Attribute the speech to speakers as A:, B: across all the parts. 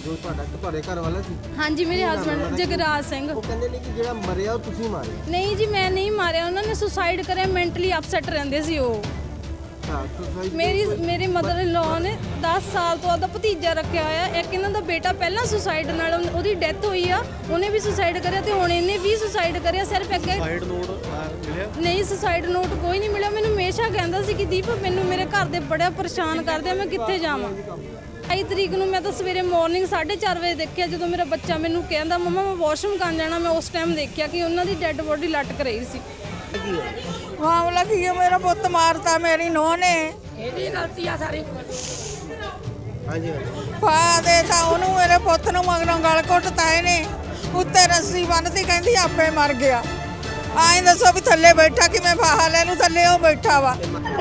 A: ਜੋ ਤੁਹਾਡੇ ਘਰ ਵਾਲਾ ਸੀ?
B: ਹਾਂਜੀ, ਮੇਰੇ ਹਸਬੰਡ ਜਗਰਾਜ ਸਿੰਘ।
A: ਉਹ ਕਹਿੰਦੇ ਨੇ ਕਿ ਜਿਹੜਾ ਮਰਿਆ ਉਹ ਤੁਸੀਂ ਮਾਰਿਆ।
B: ਨਹੀਂ ਜੀ, ਮੈਂ ਨਹੀਂ ਮਾਰਿਆ, ਉਹਨਾਂ ਨੇ ਸੁਸਾਈਡ ਕਰਿਆ। ਮੈਂਟਲੀ ਅਪਸੈਟ ਰਹਿੰਦੇ ਸੀ ਉਹ। ਮੇਰੇ ਮਦਰ ਇਨ ਲਾਅ ਨੇ 10 ਸਾਲ ਤੋਂ ਆਪਦਾ ਭਤੀਜਾ ਰੱਖਿਆ ਹੋਇਆ। ਇੱਕ ਇਹਨਾਂ ਦਾ ਬੇਟਾ ਪਹਿਲਾਂ ਸੁਸਾਈਡ ਨਾਲ ਉਹਦੀ ਡੈਥ ਹੋਈ ਆ, ਉਹਨੇ ਵੀ ਸੁਸਾਈਡ ਕਰਿਆ ਤੇ ਹੁਣ ਇਹਨੇ ਵੀ ਸੁਸਾਈਡ ਕਰਿਆ। ਸਿਰਫ ਅੱਗੇ ਸੁਸਾਈਡ ਨੋਟ ਮਿਲਿਆ? ਨਹੀਂ, ਸੁਸਾਈਡ ਨੋਟ ਕੋਈ ਨਹੀਂ ਮਿਲਿਆ। ਮੈਨੂੰ ਹਮੇਸ਼ਾ ਕਹਿੰਦਾ ਸੀ ਕਿ ਦੀਪ ਮੈਨੂੰ ਮੇਰੇ ਘਰ ਦੇ ਬੜਾ ਪਰੇਸ਼ਾਨ ਕਰਦੇ ਆ, ਮੈਂ ਕਿੱਥੇ ਜਾਵਾਂ। 22 ਤਰੀਕ ਨੂੰ ਮੈਂ ਤਾਂ ਸਵੇਰੇ ਮਾਰਨਿੰਗ 4:30 ਵਜੇ ਦੇਖਿਆ, ਜਦੋਂ ਮੇਰਾ ਬੱਚਾ ਮੈਨੂੰ ਕਹਿੰਦਾ ਮੰਮਾ ਮੈਂ ਵਾਸ਼ਰੂਮ ਕਰਨ ਜਾਣਾ। ਮੈਂ ਉਸ ਟਾਈਮ ਦੇਖਿਆ ਕਿ ਉਹਨਾਂ ਦੀ ਡੈੱਡ ਬੋਡੀ ਲਟਕ ਰਹੀ ਸੀ।
C: ਮਾਮਲਾ ਕੀ ਹੈ, ਮੇਰਾ ਪੁੱਤ ਮਾਰਤਾ ਮੇਰੀ ਨੂੰਹ ਨੇ।
B: ਇਹਦੀ ਗਲਤੀ ਆ ਸਾਰੀ।
A: ਹਾਂਜੀ
C: ਪਾ ਦੇ ਤਾਂ ਉਹਨੂੰ, ਮੇਰੇ ਪੁੱਤ ਨੂੰ ਮਗਰੋਂ ਗਲ ਘੁੱਟਤਾ ਇਹਨੇ, ਉੱਤੇ ਰੱਸੀ ਬੰਨ੍ਹਤੀ, ਕਹਿੰਦੀ ਆਪੇ ਮਰ ਗਿਆ। ਆਏ ਦੱਸੋ ਵੀ ਥੱਲੇ ਬੈਠਾ ਕਿਵੇਂ ਫਾਹਾ ਲੈ ਨੂੰ, ਥੱਲੇ ਉਹ ਬੈਠਾ ਵਾ।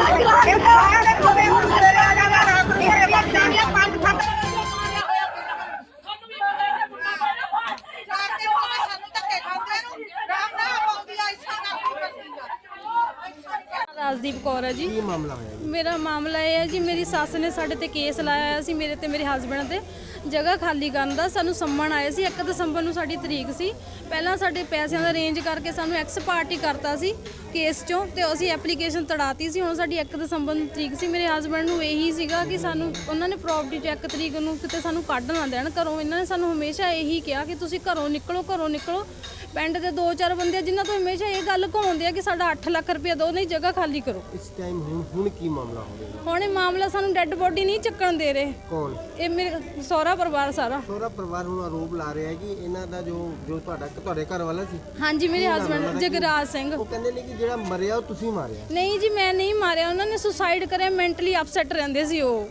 B: ਰਾਜਦੀਪ ਕੌਰ ਹੈ ਜੀ।
A: ਕੀ ਮਾਮਲਾ ਹੋਇਆ ਜੀ?
B: ਮੇਰਾ ਮਾਮਲਾ ਇਹ ਹੈ ਜੀ, ਮੇਰੀ ਸੱਸ ਨੇ ਸਾਡੇ ਤੇ ਕੇਸ ਲਾਇਆ ਹੋਇਆ ਸੀ, ਮੇਰੇ ਤੇ ਮੇਰੇ ਹਸਬੰਡ ਤੇ, ਜਗ੍ਹਾ ਖਾਲੀ ਕਰਨ ਦਾ। ਸਾਨੂੰ ਸੰਮਣ ਆਏ ਸੀ 1 ਦਸੰਬਰ ਨੂੰ ਸਾਡੀ ਤਰੀਕ ਸੀ। ਪਹਿਲਾਂ ਸਾਡੇ ਪੈਸਿਆਂ ਦਾ ਅਰੇਂਜ ਕਰਕੇ ਸਾਨੂੰ ਐਕਸ ਪਾਰਟੀ ਕਰਤਾ ਸੀ ਕੇਸ ਚੋਂ, ਤੇ ਅਸੀਂ ਐਪਲੀਕੇਸ਼ਨ ਤੜਾਤੀ ਸੀ। ਹੁਣ ਸਾਡੀ 1 ਦਸੰਬਰ ਨੂੰ ਤਰੀਕ ਸੀ। ਮੇਰੇ ਹਸਬੰਡ ਨੂੰ ਇਹੀ ਸੀਗਾ ਕਿ ਸਾਨੂੰ ਉਹਨਾਂ ਨੇ ਪ੍ਰੋਪਰਟੀ 'ਚ 1 ਤਰੀਕ ਨੂੰ ਕਿਤੇ ਸਾਨੂੰ ਕੱਢ ਨਾ ਦੇਣ ਘਰੋਂ। ਇਹਨਾਂ ਨੇ ਸਾਨੂੰ ਹਮੇਸ਼ਾ ਇਹੀ ਕਿਹਾ ਕਿ ਤੁਸੀਂ ਘਰੋਂ ਨਿਕਲੋ। ਪਿੰਡ ਦੇ 2-4 ਬੰਦੇ ਜਿਨ੍ਹਾਂ ਤੋਂ ਹਮੇਸ਼ਾ ਇਹ ਗੱਲ ਘਾਉਂਦੇ ਆ ਕਿ ਸਾਡਾ 8 ਲੱਖ ਰੁਪਇਆ ਦਿਓ, ਨਹੀਂ ਜਗ੍ਹਾ ਖਾਲੀ ਕਰੋ।
A: ਇਸ ਟਾਈਮ ਹੁਣ ਕੀ ਮਾਮਲਾ ਹੋ ਰਿਹਾ?
B: ਹੁਣ ਇਹ ਮਾਮਲਾ ਸਾਨੂੰ ਡੈੱਡ ਬੋਡੀ ਨਹੀਂ ਚੱਕਣ ਦੇ ਰਹੇ।
A: ਕੌਣ?
B: ਇਹ ਮੇਰੇ ਸਹੁਰਾ ਪਰਿਵਾਰ ਸਾਰਾ।
A: ਸਹੁਰਾ ਪਰਿਵਾਰ ਹੁਣ ਆਰੋਪ ਲਾ ਰਿਹਾ ਹੈ ਕਿ ਇਹਨਾਂ ਦਾ ਜੋ ਤੁਹਾਡੇ ਘਰ ਵਾਲਾ ਸੀ?
B: ਹਾਂਜੀ, ਮੇਰੇ ਹਸਬੰਡ ਜਗਰਾਜ ਸਿੰਘ।
A: ਉਹ ਕਹਿੰਦੇ ਨੇ ਕਿ ਜਿਹੜਾ ਮਰਿਆ ਉਹ ਤੁਸੀਂ ਮਾਰਿਆ।
B: ਨਹੀਂ ਜੀ, ਮੈਂ ਨਹੀਂ ਮਾਰਿਆ, ਉਹਨਾਂ ਨੇ ਸੁਸਾਈਡ ਕਰਿਆ। ਮੈਂਟਲੀ ਅਪਸੈਟ ਰਹਿੰਦੇ ਸੀ ਉਹ।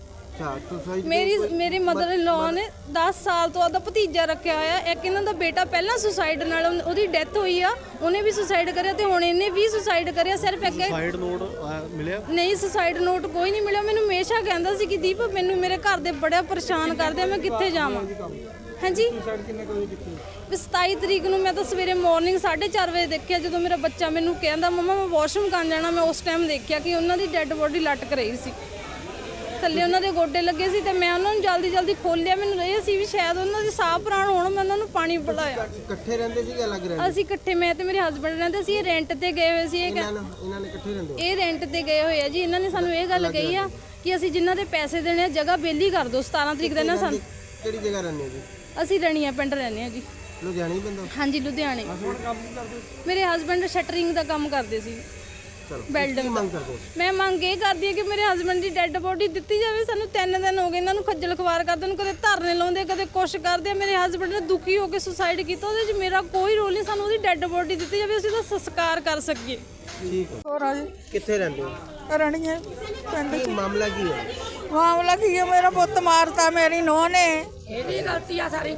B: ਮੇਰੇ ਮਦਰ ਇਨ ਲਾਅ ਨੇ 10 ਸਾਲ ਤੋਂ ਆਪਦਾ ਭਤੀਜਾ ਰੱਖਿਆ ਹੋਇਆ। ਇੱਕ ਇਹਨਾਂ ਦਾ ਬੇਟਾ ਪਹਿਲਾਂ ਸੁਸਾਈਡ ਨਾਲ ਉਹਦੀ ਡੈਥ ਹੋਈ ਆ, ਉਹਨੇ ਵੀ ਸੁਸਾਈਡ ਕਰਿਆ ਤੇ ਹੁਣ ਇਹਨੇ ਵੀ ਸੁਸਾਈਡ ਕਰਿਆ। ਸਿਰਫ ਅੱਗੇ ਸੁਸਾਈਡ ਨੋਟ ਮਿਲਿਆ? ਨਹੀਂ, ਸੁਸਾਈਡ ਨੋਟ ਕੋਈ ਨਹੀਂ ਮਿਲਿਆ। ਮੈਨੂੰ ਹਮੇਸ਼ਾ ਕਹਿੰਦਾ ਸੀ ਕਿ ਦੀਪ ਮੈਨੂੰ ਮੇਰੇ ਘਰ ਦੇ ਬੜਾ ਪਰੇਸ਼ਾਨ ਕਰਦੇ ਆ, ਮੈਂ ਕਿੱਥੇ ਜਾਵਾਂ। ਹਾਂਜੀ, 27 ਤਰੀਕ ਨੂੰ ਮੈਂ ਤਾਂ ਸਵੇਰੇ ਮਾਰਨਿੰਗ 4:30 ਵਜੇ ਦੇਖਿਆ, ਜਦੋਂ ਮੇਰਾ ਬੱਚਾ ਮੈਨੂੰ ਕਹਿੰਦਾ ਮੰਮਾ ਮੈਂ ਵਾਸ਼ਰੂਮ ਕਰਨ ਜਾਣਾ। ਮੈਂ ਉਸ ਟਾਈਮ ਦੇਖਿਆ ਕਿ ਉਹਨਾਂ ਦੀ ਡੈੱਡ ਬੋਡੀ ਲਟਕ ਰਹੀ ਸੀ, ਥੱਲੇ ਉਹਨਾਂ ਦੇ ਗੋਡੇ ਲੱਗੇ ਸੀ। ਤੇ ਮੈਂ ਉਹਨਾਂ ਨੂੰ ਜਲਦੀ ਖੋਲਿਆ। ਮੈਨੂੰ ਇਹ ਸੀ ਵੀ ਸ਼ਾਇਦ ਉਹਨਾਂ ਦੇ ਸਾਹ ਪ੍ਰਾਣ ਹੋਣ। ਮੈਂ ਉਹਨਾਂ ਨੂੰ ਪਾਣੀ ਪਿਲਾਇਆ।
A: ਇਕੱਠੇ ਰਹਿੰਦੇ ਸੀ ਕਿ ਅਲੱਗ ਰਹਿੰਦੇ?
B: ਅਸੀਂ ਇਕੱਠੇ, ਮੈਂ ਤੇ ਮੇਰੇ ਹਸਬੰਡ ਰਹਿੰਦੇ ਸੀ। ਇਹ ਰੈਂਟ ਤੇ ਗਏ ਹੋਏ ਸੀ।
A: ਇਹਨਾਂ ਨੇ ਇਕੱਠੇ ਰਹਿੰਦੇ?
B: ਇਹ ਰੈਂਟ ਤੇ ਗਏ ਹੋਏ ਆ ਜੀ। ਇਹਨਾਂ ਨੇ ਸਾਨੂੰ ਇਹ ਗੱਲ ਕਹੀ ਆ ਕਿ ਅਸੀਂ ਜਿਨ੍ਹਾਂ ਦੇ ਪੈਸੇ ਦੇਣੇ ਆ ਜਗ੍ਹਾ ਬੇਲੀ ਕਰ ਦਿਓ। 17 ਤਰੀਕ ਦਾ ਨਾ ਸਾਨੂੰ।
A: ਕਿਹੜੀ ਜਗ੍ਹਾ ਰਹਿੰਦੇ ਜੀ?
B: ਅਸੀਂ ਰਣੀਆਂ ਪਿੰਡ ਰਹਿੰਦੇ ਆ ਜੀ।
A: ਲੁਧਿਆਣੇ ਪੈਂਦਾ?
B: ਹਾਂਜੀ, ਲੁਧਿਆਣੇ। ਮੇਰੇ ਹਸਬੰਡ ਸ਼ਟਰਿੰਗ ਦਾ ਕੰਮ ਕਰਦੇ ਸੀ, ਬਿਲਡਿੰਗ। ਮੈਂ ਮੰਗ ਇਹ ਕਰਦੀ ਹਾਂ ਕਿ ਮੇਰੇ ਹਸਬੰਡ ਦੀ ਡੈੱਡ ਬੋਡੀ ਦਿੱਤੀ ਜਾਵੇ। ਸਾਨੂੰ 3 ਦਿਨ ਹੋ ਗਏ ਇਹਨਾਂ ਨੂੰ ਖੱਜਲ ਖਵਾਰ ਕਰਦੇ ਨੂੰ, ਕਦੇ ਧਰਨੇ ਲਾਉਂਦੇ, ਕਦੇ ਕੁਛ ਕਰਦੇ। ਮੇਰੇ ਹਸਬੰਡ ਨੇ ਦੁਖੀ ਹੋ ਕੇ ਸੁਸਾਈਡ ਕੀਤਾ, ਉਹਦੇ 'ਚ ਮੇਰਾ ਕੋਈ ਰੋਲ ਨਹੀਂ। ਸਾਨੂੰ ਉਹਦੀ ਡੈੱਡ ਬੋਡੀ ਦਿੱਤੀ ਜਾਵੇ, ਅਸੀਂ ਉਹਦਾ ਸੰਸਕਾਰ ਕਰ ਸਕੀਏ।
A: ਠੀਕ ਹੈ।
C: ਹੋਰ ਆ ਜੀ,
A: ਕਿੱਥੇ ਰਹਿੰਦੇ ਹੋ?
C: ਰਣੀਏ ਪਿੰਡ।
A: ਕੀ ਮਾਮਲਾ ਕੀ ਹੈ?
C: ਮਾਮਲਾ ਕੀ ਹੈ, ਮੇਰਾ ਪੁੱਤ ਮਾਰਤਾ ਮੇਰੀ ਨੂੰਹ ਨੇ।
B: ਇਹਦੀ ਗਲਤੀ ਆ ਸਾਰੀ।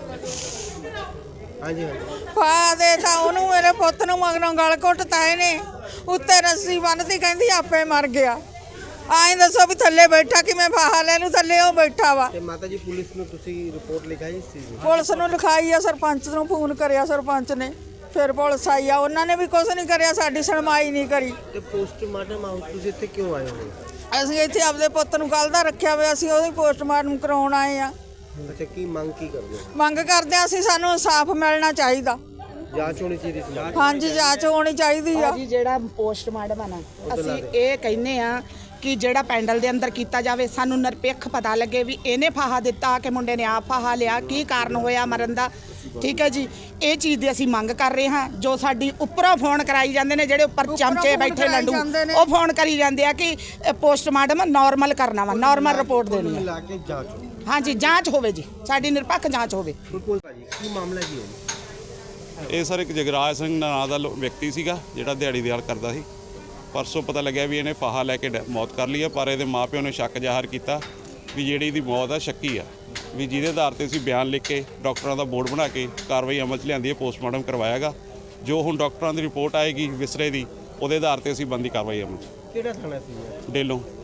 A: ਹਾਂਜੀ
C: ਪਾ ਦੇ ਤਾਂ ਉਹਨੂੰ, ਮੇਰੇ ਪੁੱਤ ਨੂੰ ਮਗਰੋਂ ਗਲ ਘੁੱਟਤਾ ਇਹਨੇ, ਉੱਤੇ ਰੱਸੀ ਬੰਨ੍ਹਤੀ, ਕਹਿੰਦੀ ਆਪੇ ਮਰ ਗਿਆ। ਆਏ ਦੱਸੋ ਵੀ ਥੱਲੇ ਬੈਠਾ ਕਿਵੇਂ ਫਾਹਾ ਲੈ ਨੂੰ, ਥੱਲੇ ਉਹ ਬੈਠਾ ਵਾ।
A: ਤੇ ਮਾਤਾ ਜੀ ਪੁਲਿਸ ਨੂੰ ਤੁਸੀਂ ਰਿਪੋਰਟ ਲਿਖਾਈ ਇਸ ਚੀਜ਼ ਦੀ?
C: ਪੁਲਿਸ ਨੂੰ ਲਿਖਾਈ ਆ, ਸਰਪੰਚ ਨੂੰ ਫੋਨ ਕਰਿਆ ਸਰਪੰਚ ਨੇ, ਫਿਰ ਪੁਲਿਸ ਆਈ ਆ। ਉਹਨਾਂ ਨੇ ਵੀ ਕੁਝ ਨਹੀਂ ਕਰਿਆ, ਸਾਡੀ ਸੁਣਵਾਈ ਨਹੀਂ ਕਰੀ।
A: ਤੇ ਪੋਸਟਮਾਰਟਮ ਹਾਊਸ ਤੁਸੀਂ ਇੱਥੇ ਕਿਉਂ ਆਏ ਹੋ?
C: ਅਸੀਂ ਇੱਥੇ ਆਪਦੇ ਪੁੱਤ ਨੂੰ ਕੱਲ੍ਹ ਦਾ ਰੱਖਿਆ ਹੋਇਆ, ਅਸੀਂ ਉਹਦੀ ਪੋਸਟਮਾਰਟਮ ਕਰਾਉਣ ਆਏ ਆ।
A: ਅੱਛਾ, ਕੀ ਮੰਗ ਕੀ ਕਰਦੇ ਹੋ?
C: ਮੰਗ ਕਰਦੇ ਆ ਅਸੀਂ, ਸਾਨੂੰ ਇਨਸਾਫ ਮਿਲਣਾ ਚਾਹੀਦਾ।
A: ਜਾਂਚ ਹੋਣੀ ਚਾਹੀਦੀ ਸੀ।
C: ਹਾਂਜੀ, ਜਾਂਚ ਹੋਣੀ ਚਾਹੀਦੀ ਆ
D: ਜੀ। ਜਿਹੜਾ ਪੋਸਟਮਾਰਟਮ ਆ ਨਾ, ਅਸੀਂ ਇਹ ਕਹਿੰਦੇ ਆ ਕਿ ਜਿਹੜਾ ਪੈਂਡਲ ਦੇ ਅੰਦਰ ਕੀਤਾ ਜਾਵੇ। ਸਾਨੂੰ ਨਿਰਪੱਖ ਪਤਾ ਲੱਗੇ ਵੀ ਇਹਨੇ ਫਾਹਾ ਦਿੱਤਾ ਕਿ ਮੁੰਡੇ ਨੇ ਆਪ ਫਾਹਾ ਲਿਆ, ਕੀ ਕਾਰਨ ਹੋਇਆ ਮਰਨ ਦਾ। ਠੀਕ ਹੈ ਜੀ, ਇਹ ਚੀਜ਼ ਦੀ ਅਸੀਂ ਮੰਗ ਕਰ ਰਹੇ ਹਾਂ। ਜੋ ਸਾਡੀ ਉੱਪਰੋਂ ਫੋਨ ਕਰਾਈ ਜਾਂਦੇ ਨੇ, ਜਿਹੜੇ ਉੱਪਰ ਚਮਚੇ ਬੈਠੇ ਲੰਡੂ, ਉਹ ਫੋਨ ਕਰੀ ਜਾਂਦੇ ਆ ਕਿ ਪੋਸਟਮਾਰਟਮ ਨਾਰਮਲ ਕਰਨਾ ਵਾ, ਨਾਰਮਲ ਰਿਪੋਰਟ ਦੇਣੀ
A: ਲਾ ਕੇ ਜਾਂਚ ਹੋਵੇ।
D: ਹਾਂਜੀ, ਜਾਂਚ ਹੋਵੇ ਜੀ, ਸਾਡੀ ਨਿਰਪੱਖ ਜਾਂਚ ਹੋਵੇ।
A: ਬਿਲਕੁਲ ਭਾਜੀ, ਕੀ ਮਾਮਲਾ ਕੀ ਹੈ?
E: ਇਹ ਸਰ ਇੱਕ ਜਗਰਾਜ ਸਿੰਘ ਨਾਂ ਦਾ ਵਿਅਕਤੀ ਸੀਗਾ, ਜਿਹੜਾ ਦਿਹਾੜੀ ਦਿਹਾੜ ਕਰਦਾ ਸੀ। ਪਰਸੋਂ ਪਤਾ ਲੱਗਿਆ ਵੀ ਇਹਨੇ ਫਾਹਾ ਲੈ ਕੇ ਮੌਤ ਕਰ ਲਈ ਹੈ, ਪਰ ਇਹਦੇ ਮਾਪਿਓ ਨੇ ਸ਼ੱਕ ਜ਼ਾਹਰ ਕੀਤਾ ਵੀ ਜਿਹੜੀ ਇਹਦੀ ਮੌਤ ਆ ਸ਼ੱਕੀ ਆ, ਵੀ ਜਿਹਦੇ ਆਧਾਰ ਤੇ ਅਸੀਂ ਬਿਆਨ ਲਿਖ ਕੇ ਡਾਕਟਰਾਂ ਦਾ ਬੋਰਡ ਬਣਾ ਕੇ ਕਾਰਵਾਈ ਅਮਲ 'ਚ ਲਿਆਂਦੀ ਹੈ। ਪੋਸਟਮਾਰਟਮ ਕਰਵਾਇਆਗਾ। ਜੋ ਹੁਣ ਡਾਕਟਰਾਂ ਦੀ ਰਿਪੋਰਟ ਆਏਗੀ ਵਿਸਰੇ ਦੀ, ਉਹਦੇ ਆਧਾਰ ਤੇ ਅਸੀਂ ਬਣਦੀ ਕਾਰਵਾਈ ਅਮਲ 'ਚ।
A: ਕਿਹੜਾ ਥਾਣਾ ਸੀ?
E: ਡੇਲੋਂ।